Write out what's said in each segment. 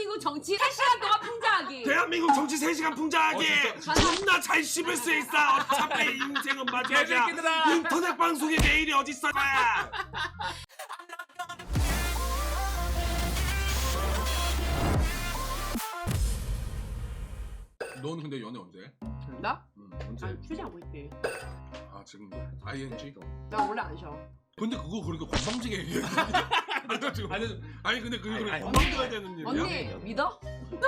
대한민국 정치 3시간 동안 풍자하기. 대한민국 정치 3시간 풍자하기. 존나 잘 씹을 수 있어. 어차피 인생은 마지막이야. 인터넷 방송이 내일이 어딨어 거야. 너는 근데 연애 언제? 나? 언제? 아니 휴지하고 있대. 아 지금도? ING? 나 원래 안 쉬어. 근데 그거 그렇게 건방지게 얘기해. 아니 근데 그게 그렇게 아니, 건방져야 되는 일이야? 언니 믿어?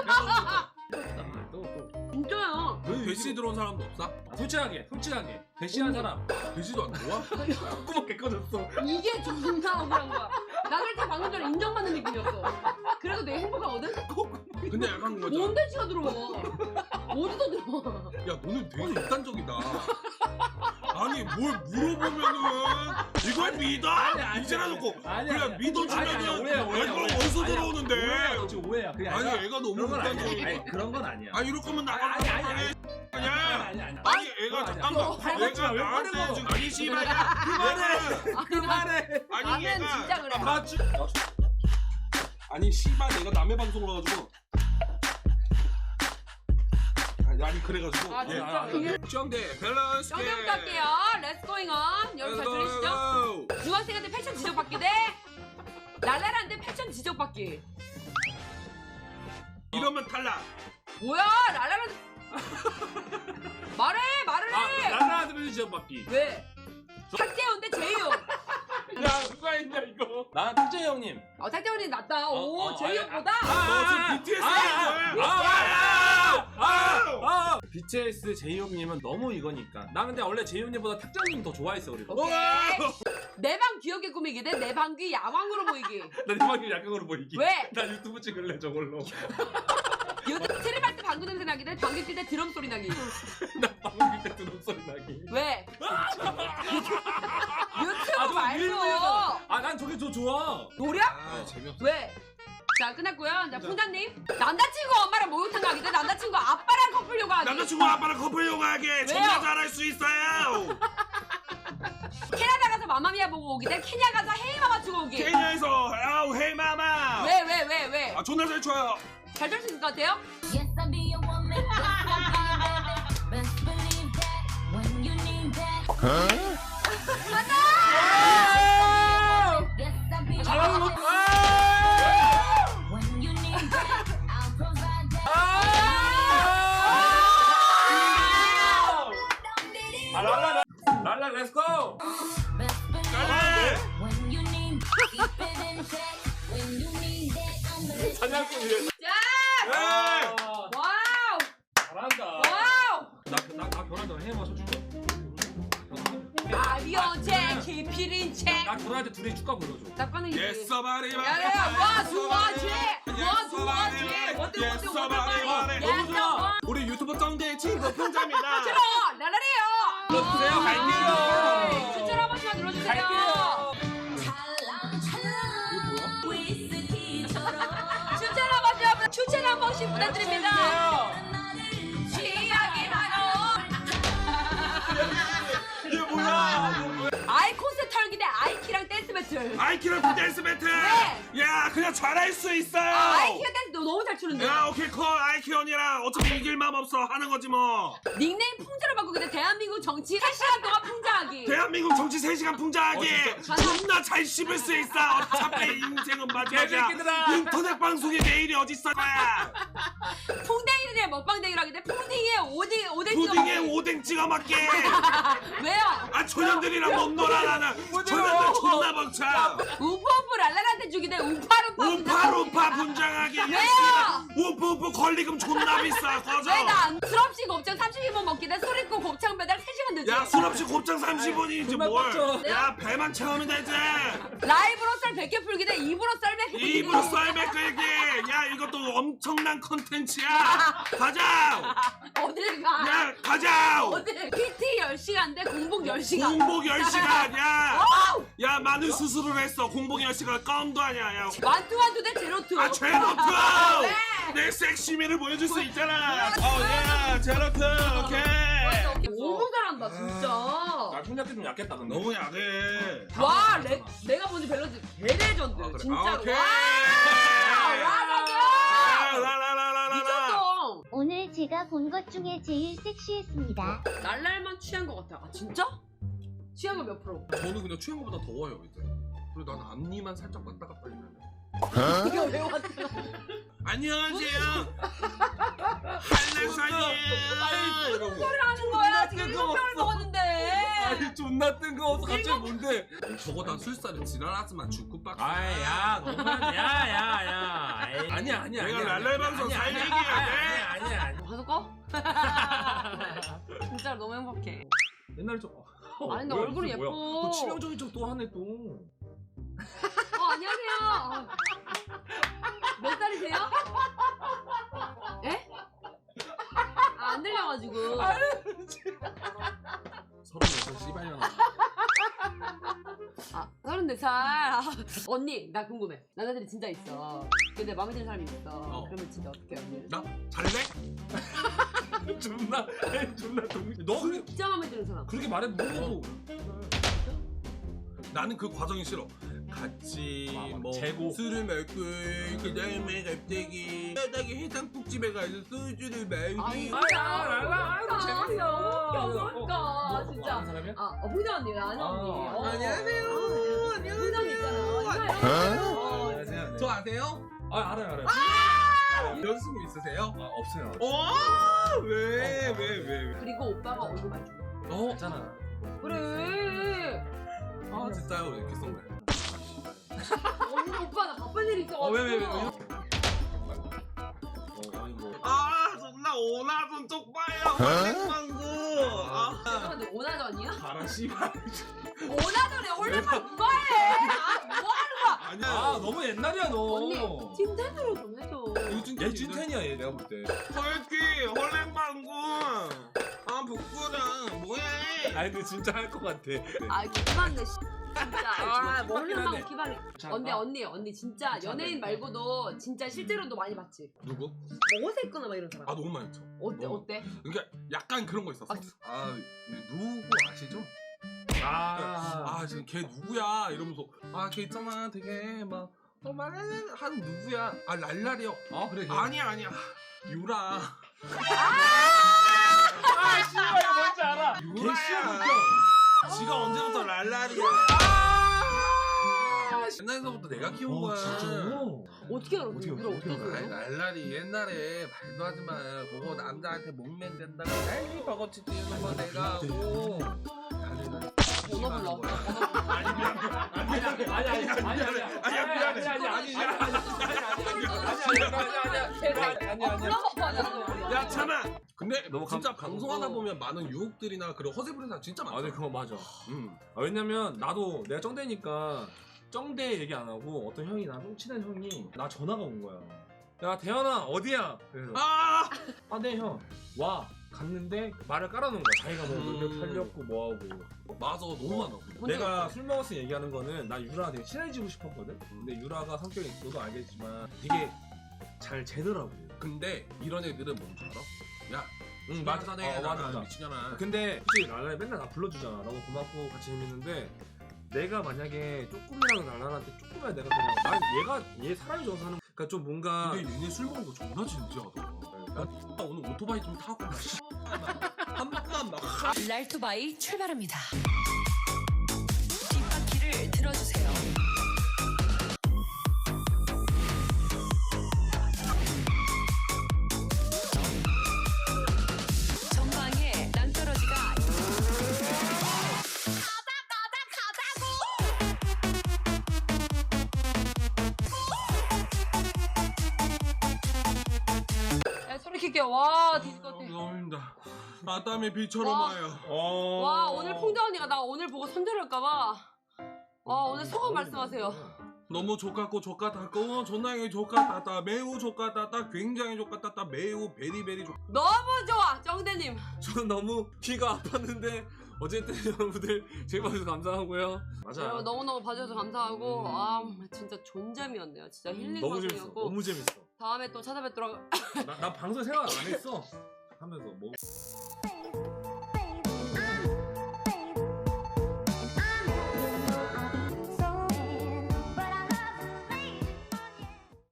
진짜야. 대시 들어온 사람도 없어? 솔직하게 대시한 사람 대시도 안 들어와? 꾸맣게 꺼졌어. 이게 존나 억울한 거야. 나 살짝 방금 전에 인정받는 느낌이었어. 그래도 내 행복하거든? 근데 약간 그거잖아. 뭔 대치가 들어와. 어디서 들어와. 야 너는 되게 극단적이다. 아니 뭘 물어보면은 이걸 믿어? 이제라 놓고 그냥 믿어주면은 이거 어디서 들어오는데? 오해야, 너 지금 오해야. 그게 아니 아니라 애가 너무 그런 건 아니야. 극단적이야. 아니 그런 건 아니야. 아니 이럴 거면 나가. 아니. 아니 애가 잠깐만 밟았지 마, 애가 왜 나한테 꺼내고. 지금 아니 씨발 그만해 아니 나는 얘가 진짜 그래. 맞지? 아니 씨발 내가 남의 방송을 해가지고 아니 그래가지고 아 진짜 그게 정대 밸런스 정대부터 할게요. Let's going on. 여러분 잘 들으시죠? 중학생한테 패션 지적받기 대 랄랄한테 패션 지적받기. 이러면 탈락. 뭐야 랄랄한테 말을 해. 나라한테 지적받기. 왜? 탁재훈 대 재희용. 야 누가 했냐 이거? 나 탁재 형님. 탁재훈이 낫다. 오 재희용보다. 너 지금 BTS BTS 제이홉님은 너무 이거니까. 나 근데 원래 제이홉님보다 탁재형님 더 좋아했어 그리고. 오케이. 내 방 귀엽게 꾸미기 대 내 방 귀 야망으로 보이기. 나 이만큼 약간으로 보이기. 왜? 나 유튜브 찍을래 저걸로. 트림할 때 방구 냄새 나기 대 방귀 낄 때 드럼 소리 나기. 나 방금 밑에 드럼 소리 나기. 왜? 유튜브 저 말고. 일부러. 난 저게 더 좋아. 노력? 아 재미없어. 왜? 자 끝났고요. 자 풍자님 남자친구 엄마랑 목욕탕 가기 대 남자친구 아빠랑 커플 요가 하기. 남자친구 아빠랑 커플 요가하게 존나 잘할 수 있어요. 캐나다 가서 마마미아 보고 오기 대 케냐 가서 헤이마마 추고 오기. 케냐에서 아우 헤이 마마. 왜? 아 존나 잘 춰요. 잘 될 수 있을 것 같아요? Yes, I'll be your woman. Yes, I'll be your baby. Best believe that when you need that. Yes, I'll be your woman. When you need that, I'll provide that. 랄라 렛츠고. Best believe that when you need that, keep it in check. When you need that, I'm the 사냥꾼 위해. 자! 와우! 잘한다. 와우! 나 결혼 전에 해마 쳐줄게. 아리언체 키피린 체. 나 결혼할 때 둘이 축가 불러줘. 나빠는 Yes somebody. 야야 와 좋아지 Yes somebody. 너무 좋아. 우리 유튜브 정대의 친구 풍자입니다. 싫어 랄랄해요. 눌러주세요. 갈게요. 추천 한 번씩만 눌러주세요. 갈게요. 찰랑찰랑 위스키처럼 추천 한 번씩 부탁드립니다. 취하기 바로 이게 뭐야? 아이콘스 털기 대 아이키랑 댄스 배틀. 아이키랑 댄스 배틀. 야 그냥 잘할 수 있어요. 아이키가 댄스 너무 잘 추는데. 야 오케이 콜 아이키 언니랑 어차피 이길 맘 없어 하는 거지 뭐. 닉네임 풍자로 바꾸기 대 대한민국 정치 3시간 동안 풍자하기. 대한민국 정치 3시간 풍자하기. 존나 잘 씹을 수 있어. 어차피 인생은 마지막이야. 인터넷 방송이 내일이 어딨어 거야. 풍뎅이를 대 먹방댕이를 하기 대 푸딩에 오뎅 푸딩에 오뎅 찍어 먹게. 왜요? 아 초년들이랑 못 놀아 나는. 초년들 존나 벅차. 우프우프 랄랄한테 주기 대 우파루파 우파루파 분장하기. 왜요? 우프우프 권리금 존나 비싸. 꺼져. 왜나 수럽씨 곱창 32번 먹기 대 소리꼬 곱창 배달 3시간 되지. 야 술없이 곱창 30원이지 정말 뭘. 빡쳐. 야 배만 채우면 되지. 라이브로 썰 100개 풀기 대 입으로 썰 100개 입으로 썰매 끌기. 야 이것도 엄청난 컨텐츠야. 가자. 어딜 가? 야 가자. 어딜? PT 10시간 대 공복 10시간. 공복 10시간. 야 많은 수술을 했어. 공복 10시간 껌도 아니야. 야. 완투완투 대 제로투. 아 제로투. 네. 내 섹시미를 보여줄 수 있잖아. 야 제로투. 오케이. 너무 잘한다 진짜. 나 충격기 좀 약했다 근데. 너무 약해. 와 내가 먼저 밸런스 대레전드 그래. 진짜로. 오케이. 와 제가 본 것 중에 제일 섹시했습니다. 날날만 취한 것 같아. 아 진짜? 취한 거 몇 프로? 저는 그냥 취한 것보다 더워요 이제. 그리고 나는 앞니만 살짝 왔다 갔다 하면. 이거 왜 왔어? 안녕하세요. 한라산이에요. 이러고. 소리를 하는 거야. 지금 뜬금없어. 7병을 먹었는데. 아니 존나 뜬금없어. 갑자기 뭔데? 저거 다 술사를 지랄하지만 주쿠박스. 아야 너무하네. 야야야. 아니야. 내가 랄랄 방송 살 얘기야. 아니야. 방송 꺼? 진짜 너무 행복해. 옛날에 좀. 아니, 근데 뭐야, 얼굴이 이게 뭐야? 예뻐. 또 치명적인 척 또 하네 또. 안녕하세요. 몇 살이세요? 예? 아, 안 들려가지고. 36 씨발년아. 아, 34살. 언니, 나 궁금해. 남자들이 진짜 있어. 근데 마음에 드는 사람이 있어. 그러면 진짜 어떻게 해요, 언니? 나 잘래? 존나 동. 너 그렇게 진짜 마음에 드는 사람. 그렇게 말해 물어도. 나는 그 과정이 싫어. 같이 맞아. 뭐 재고. 술을 먹고 그다음에 갑자기 바닥에 해장국집에 가서 소주를 마시고. 아니, 랄라. 재밌어. 웃겨, 진짜. 아는 사람이야? 아, 풍자 언니, 아는 언니. 안녕하세요. 풍자 언니 있잖아. 안녕하세요. 저 아세요? 아 알아요. 연습 있으세요? 아 없어요. 왜? 그리고 오빠가 얼굴 많이 줘. 있잖아. 그래. 아 진짜요? 이렇게 쏜 거예요. 언니 오빠 나 바쁜 일 있어. 왜? 아 존나 오나돈 쪽봐요. 헐랭방구. 죄송한데 오나전이야? 가라 씨발. 오나전에 홀레만 누가 해? 아, 뭐 하는 거야? 아니야. 아 너무 옛날이야 너. 언니 찐텐으로 좀 해줘. 얘 찐텐이야 얘 내가 볼 때. 헐키 헐랭방구. 아 북구랑 뭐해? 아니 근데 진짜 할 것 같아. 아 기발네 진짜. 아 기발이네. 홀레만 기발이. 언니 진짜 연예인 말고도 진짜 실제로도 많이 봤지. 누구? 옷에 입거나 막 이런 사람. 아 너무 많죠. 어때? 그러니까 약간 그런 거 있었어. 아 누구 아시죠? 지금 걔 누구야 이러면서 걔 있잖아 되게 막 말하는 누구야? 아 랄랄이요. 그래. 아니야 유라. 씨발 이거 뭔지 알아. 유라야. 지가 언제부터 랄랄이야? 옛날에서부터 내가 키운 거야. 어떻게 알아? 어떻게 어떻게 알아? 아이, 랄랄이 옛날에 말도 하지 마. 그거 남자한테 목맨 된다고 난리 버거치 찌는 거 내가 하고. 번호 불러. 야 참아. 근데 너무 진짜 방송하다 보면 많은 유혹들이나 그런 허세 부리는 사람 진짜 많아. 아니 그거 맞아. 왜냐면 나도 내가 쩡대니까 쩡대 얘기 안 하고 어떤 형이 나좀 친한 형이 나 전화가 온 거야. 야 대현아 어디야? 그래서 네 형 와. 갔는데 말을 깔아놓은 거야. 자기가 뭐 노력 팔렸고 뭐하고. 맞아 너무 많아. 내가 술 먹었을 때 얘기하는 거는 나 유라가 되게 친해지고 싶었거든. 근데 유라가 성격이 너도 알겠지만 되게 잘 재더라고. 근데 이런 애들은 뭔지 알아? 야 맞아. 맞아 미치잖아. 근데 솔직히 랄랄이 맨날 나 불러주잖아. 너무 고맙고 같이 재밌는데 내가 만약에 조금이라도 랄랄한테 조금이라도 내가 그냥 난 얘 사람이 좋아서 하는 그러니까 좀 뭔가 근데 얘네 술 먹는 거 존나 진지하다. 야 오늘 오토바이 좀 타고 한 번만 막. 랄토바이 출발합니다. 뒷바퀴를 들어주세요. 전방에 낭떠러지가 야 소리 킬게. 와 디스코트. 너무 힘들다. 땀이 비처럼 와. 와요. 와 오늘 풍자 언니가 나 오늘 보고 손절할까봐. 와 오늘 소감 말씀하세요. 너무 족같고 족같았고 존나게 족같았다 매우 족같았다 굉장히 족같았다 매우 베리베리 족. 너무 좋아 정대님. 저는 너무 귀가 아팠는데 어쨌든 여러분들 제일 봐주셔서 감사하고요. 맞아. 여러분 너무너무 봐주셔서 감사하고 아 진짜 존잼이었네요. 진짜 힐링 너무 재밌어. 방송이었고 너무 재밌어. 다음에 또 찾아뵙도록. 나 방송 생각 안 했어. 하면서 뭐.